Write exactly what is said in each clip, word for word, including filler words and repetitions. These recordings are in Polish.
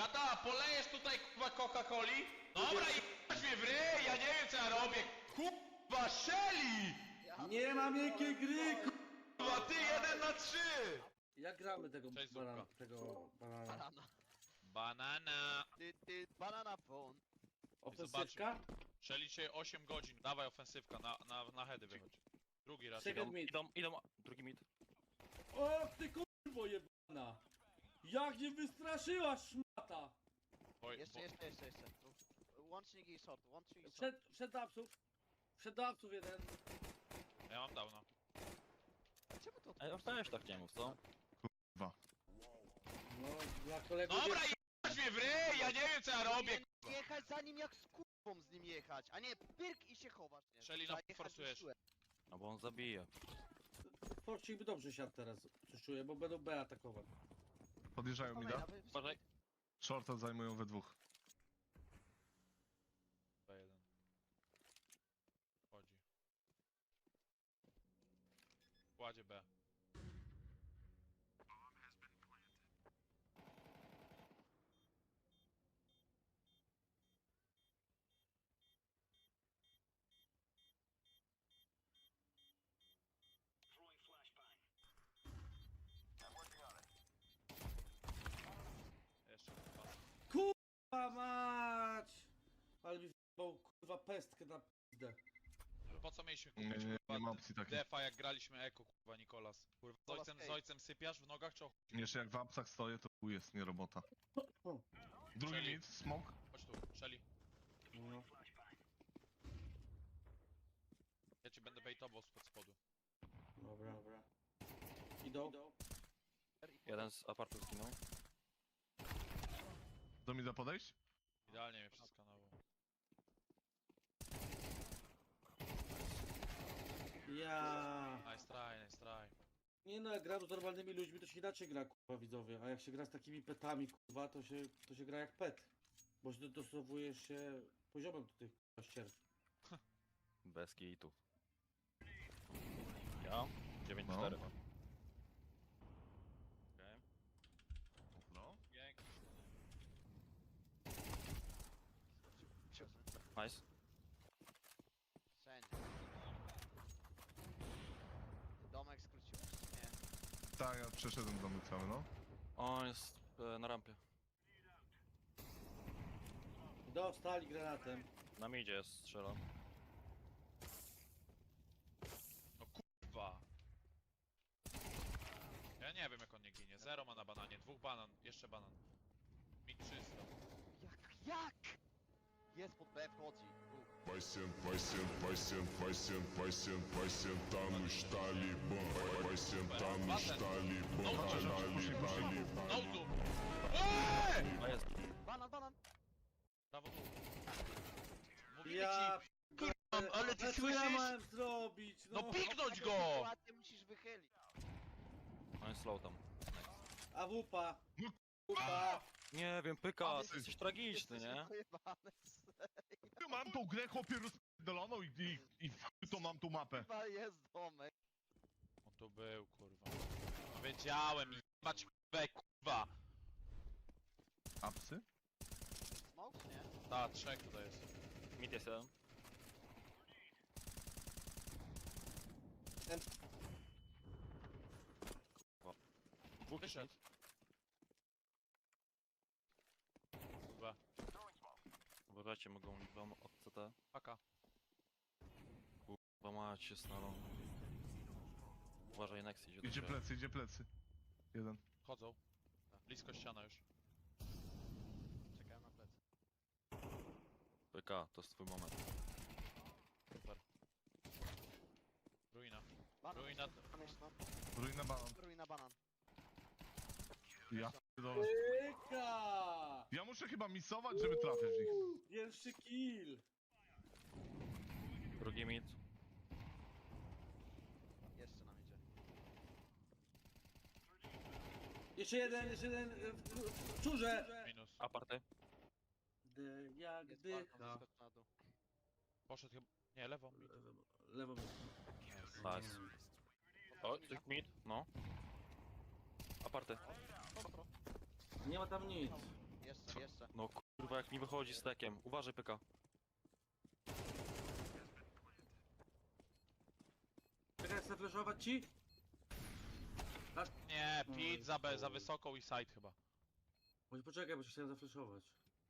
Kata, polejesz tutaj kurwa Coca-Coli? Dobra, i mnie w ryj, ja nie wiem co ja robię. Kurwa, Shelly! Nie ma miękkiej gry, Kurwa, ty jeden na trzy! Jak gramy tego Cześć, banana, Zupka. tego banana? Banana. Banana. Ty, ty, banana phone. Ofensywka? Shelly dzisiaj osiem godzin. Dawaj ofensywka, na, na, na heady wychodź. Drugi raz. Second mid. Idą, idą, drugi mid. O, ty kurwo jebana! Jak nie wystraszyła szmata! Oj, Jeszcze, bo- jeszcze, jeszcze, jeszcze. Łącznik i short, łącznik i short. Przed, przed dawców. Przed dawców jeden. Ja mam downa. Czemu to Ej, weź tak nie mów, co? No, dla kolegów Dobra, jest... i mnie w ryj, ja nie wiem co ja robię. Nie jechać za nim jak z kurwą z nim jechać, a nie pyrk i się chowasz. Nie, Shelly, trzeba no, jechać forsujesz. siłę. No bo on zabija. Forcik by dobrze siadł teraz, coś czuję, bo będą B atakować. Podjeżdżają mi da. Dawaj, dawaj, Uważaj. Shorta zajmują we dwóch. B jeden. Chodzi. Kładzie B. Jeszcze dwa. Kurwa mać! Ale mi w***ał, kurwa pestkę na pizdę. Po co mieliśmy Nie, kupić nie, nie kurwa ma opcji takiej. defa jak graliśmy eko kurwa Nikolas? Kurwa z ojcem, z ojcem sypiasz w nogach czy o chuj? Jeszcze jak w apsach stoję, to chuj jest, nie robota. Drugi Czyli- mid, smoke. Chodź tu, Shelly. No. Ja ci będę baitował spod spodu. Dobra, dobra. Idą? Jeden z apartów zginął. Do mida podejść? Idealnie mnie przeskanował. Ja. Nice try, nice try. Nie no, jak gram z normalnymi ludźmi, to się inaczej gra, kurwa, widzowie. A jak się gra z takimi petami, kurwa, to się, to się gra jak pet. Bo się dostosowujesz się poziomem do tych kurwa ścier. Bez kitu. Ja? dziewięć No. cztery mam. Okej. No. Pięknie. Nice. Wszędzie. Domek skróciłeś, nie? Tak, ja przeszedłem do mnie cały, no. On jest e, na rampie. Dostali granatem. Na midzie jest, strzelam. No kurwa. Ja nie wiem jak on nie ginie. Zero ma na bananie, dwóch banan, jeszcze banan. Mi trzysta. Jak, jak? Jest pod B, wchodzi. U. Пассиан, пассиан, пассиан, пассиан, пассиан, пассиан, там штали бом, пассиан, там штали бом, дали, дали. No tu! Eee! A jest. Banan, banan! Brawo tu. Mówimy Ja. ci, kurwa, ale ty Ale co ja słyszysz? miałem zrobić? No, No piknąć Taką go! sytuację musisz wychylić. On jest slow tam. A wupa. No, Wupa. Nie wiem, pyka, Ale ty jesteś tragiczny, Jesteś nie? pojebany, Ja mam tą grę chłopie rozpierdoloną i, i, i w chuj to mam tą mapę. chyba jest domek. On tu był, kurwa. Wiedziałem, jebać B, kurwa. Apsy? Smoke, nie? Ta, trzech tutaj jest. Mid jest jeden. Kurwa. Dwóch Wyszedł. Kurwa. Uważajcie, mogą wam od C T. Paka. Kurwa mać jest na long. Uważaj, Nex idzie do Idzie ciebie. plecy, idzie plecy. Jeden. Chodzą. Blisko ściana już. Czekałem na plecy. Pyka, to jest twój moment. Super. Ruina. Banan, Ruina. banan jeszcze tam. Ruina banan. Ruina, banan. Ja pierdolę. Pyka! Ja muszę chyba misować, żeby trafić w nich. Pierwszy kill. Drugi mid. Jeszcze nam idzie. Jeszcze jeden, jeszcze jeden y, w, w, w czurze. Minus. Aparty. D jak Jest dycha. balkon, wyskocz na dół. Poszedł chyba. Nie, lewą. Mid. Lewo. Nice. O, tych mid, no. Aparty. Ostro. Nie ma tam nic. Jeszcze, Co? No kurwa, jak mi wychodzi z tekiem. Uważaj, P K. Czekaj, chcę flashować ci? Nie, pit za B, za wysoką i side chyba. Może poczekaj, bo się chciałem zaflashować.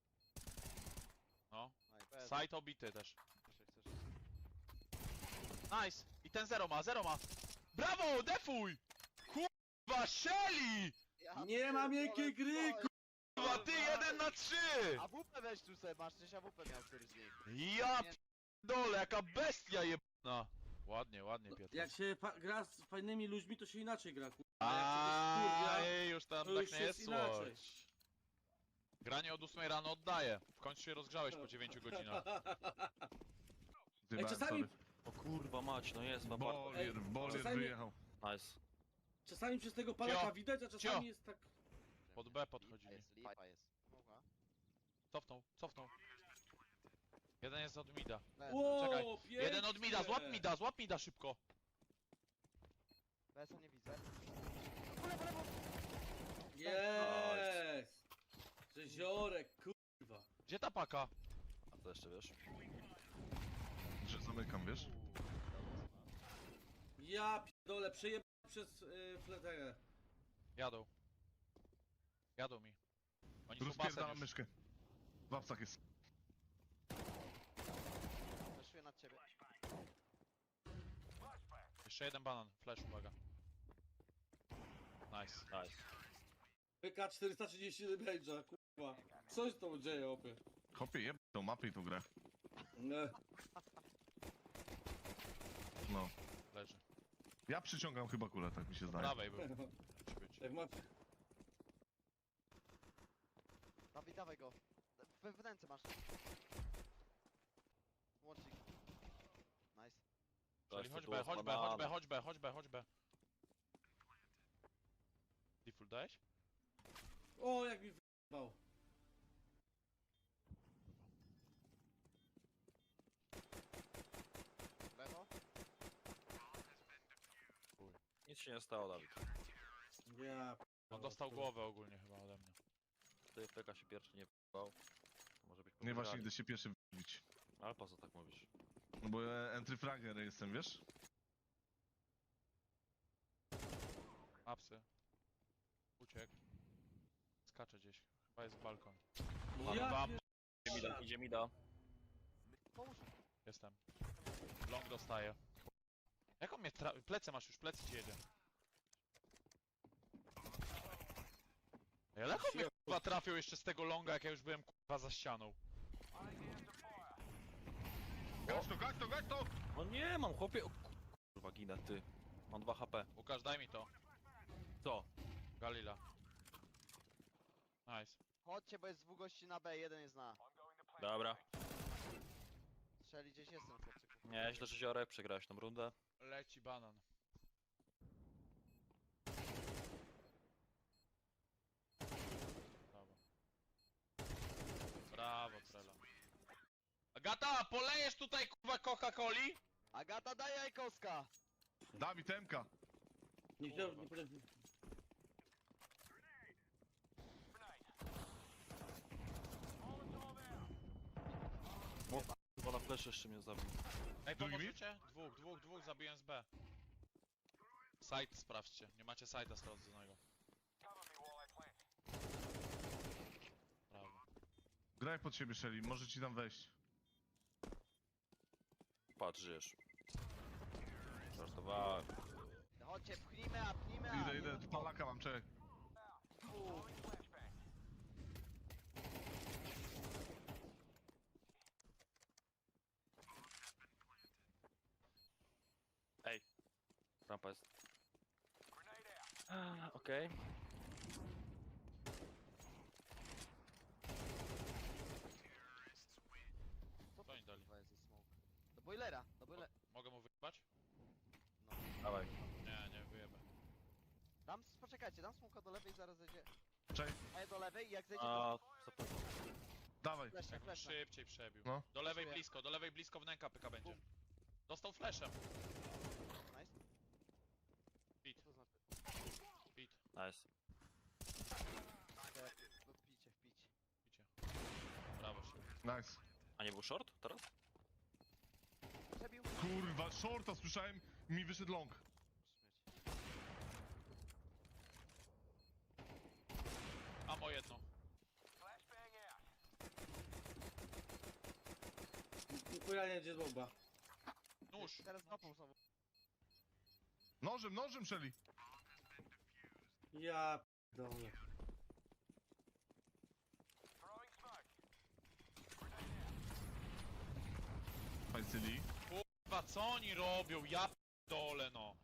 No. Aj, bez. Side obity też. Chcesz, chcesz. Nice! I ten zero ma, zero ma! Brawo, defuj! Kurwa, Shelly! Ja Nie ma miękkiej gry, pierdolę, Kurwa, ty jeden na trzy! A W P weź tu sobie, masz coś A W P miał któryś z nich. Ja dole, jaka bestia jebana! Ładnie, ładnie, Piotr. Jak się fa- gra z fajnymi ludźmi, to się inaczej gra, kurwa. A jak się ktoś wkurwia, Aj, już tam to tak już nie jest jest inaczej. słość. Granie od ósmej rano oddaję. W końcu się rozgrzałeś po dziewięciu godzinach. Zjebałem, czasami- sorry. O kurwa mać, no jest, Wabarta. Bolier, bolier czasami- wyjechał. Nice. Czasami przez tego palaka Cio, widać, a czasami cio. jest tak... Pod B Lipa podchodzili. jest, lipa jest. Mogła. Cofnął, cofnął. Jeden jest od mida. Leży. Ło, czekaj. pięknie. Jeden od mida, złap mida, złap mida szybko. Besa nie widzę. Jest! Rzeziorek, kurwa. Gdzie ta paka? A to jeszcze wiesz? Że zamykam, wiesz? Ja pierdolę, przejebałem przez yy, fletę. Jadą. Jadą mi. Oni są basen Rozpierdalam już. myszkę. W apsach jest. Weszuję nad ciebie. Jeszcze jeden banan, flash, uwaga. Nice. Nice. P K czterysta trzydzieści damage'a, kurwa. Co się tam dzieje, opie? Chopie, jeb tą mapę i tą grę. Nie. No. Leży. Ja przyciągam chyba kulę, tak mi się Po zdaje. prawej był. Musi być. Jak ma... Dawaj, dawaj go. We wnęce masz. Łącznik. Nice. Czyli chodź tu B, jest chodź B, banana. chodź B, chodź B, chodź B, chodź B. Default dałeś? O, jak mi wyjebał. Lewo. Nic się nie stało, Dawid. Ja... On dostał głowę ogólnie chyba ode mnie. Ty P K się pierwszy nie p***ał. To może być Nie właśnie podejrzanie. idę się pierwszy wbić. Ale po co tak mówisz? No bo ja entry fragger jestem, wiesz? Apsy. Uciekł. Skacze gdzieś. Chyba jest balkon. No ja wam. pier- Idzie mi da, idzie mi da. Pomóż. Jestem. Long dostaje. Jak on mnie tra... Plecy masz już, plecy ci jedzie. Ej, ale jak on mnie kurwa trafił jeszcze z tego longa, jak ja już byłem kurwa za ścianą. Gać to, gać to, gać to! No nie, mam chłopie. O kurwa, ginę, ty. Mam dwa H P. Łukasz, daj mi to. Co? Galila. Nice. Chodźcie, bo jest dwóch gości na B, jeden jest na. Dobra. Strzeli gdzieś jestem, chłopczyku. Nie, źle, że Ziorek, przegrałeś tą rundę. Leci banan. Brawo. Brawo, Trela. Agata, polejesz tutaj kurwa Coca-Coli? Agata, daj jajkowska! Dawid Temka! Nie chciał, nie potrafi... Bo na flash jeszcze mnie zabił. Ej, Drugi pomożecie? Dwóch, dwóch, dwóch zabiłem z B. Site sprawdźcie, nie macie site'a sprawdzonego. Brawo. Graj pod siebie, Shelly, może ci tam wejść. Patrz, żyjesz. Żartowałem. Chodźcie, pchnijmy, a pchnijmy, a... Idę, idę, tu palaka mam, czekaj. Rampa jest. Ah, Okej. Co Co oni dali? to jest za smoke? Do boilera, do boilera. Mogę mu wyjebać? Dawaj. Nie, nie wyjebę. Dam, poczekajcie, dam smoka do lewej, zaraz zejdzie. Czekaj, A ja do lewej i jak zejdzie A, to... zapewne. dawaj. Flesze, Jak flesze. szybciej przebił. No. Do lewej Dziękuję. blisko, do lewej blisko wnęka pyka będzie. Dostał flashem. Nice. Pit, Co znaczy? pit, Nice. Idę, no picie, wpić. picie. Nice. A nie był short teraz? Przebił. Kurwa, shorta słyszałem, mi wyszedł long. Amo jedno. Chuja nie idzie z bomba. Nóż. Teraz dopał znowu. Nożem, nożem szeli. Ja p***dolę. Fajcyli. Kurwa, co oni robią? Ja dole no.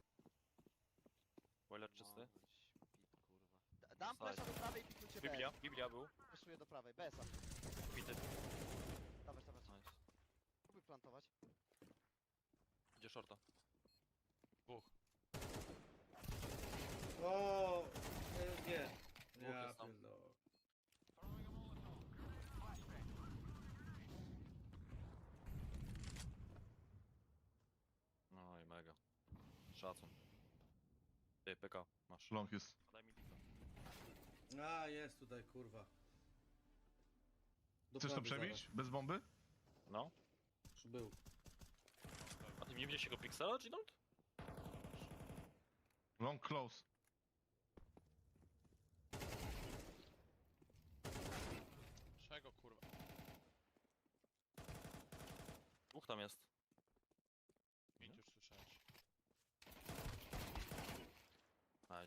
Boiler czysty. Da- Dam flesza do prawej i piknujcie B. Biblia, Biblia był. Fleszuję do prawej, B S-a. Bity. Dawać, dawać. Nice. Próbuj plantować. Idzie shorta. Dwóch. O, nie, nie. Dwóch Ja jest tam. pierdolę. No i mega. Szacun. Ty, P K, masz. Long jest. Daj mi pika. A, jest tutaj, kurwa. Do Chcesz to prawej przebić? Bez bomby? No. zaraz. Był. A ty nie widziałeś jego piksela, Ginold? Long close. Czego kurwa? Dwóch tam jest.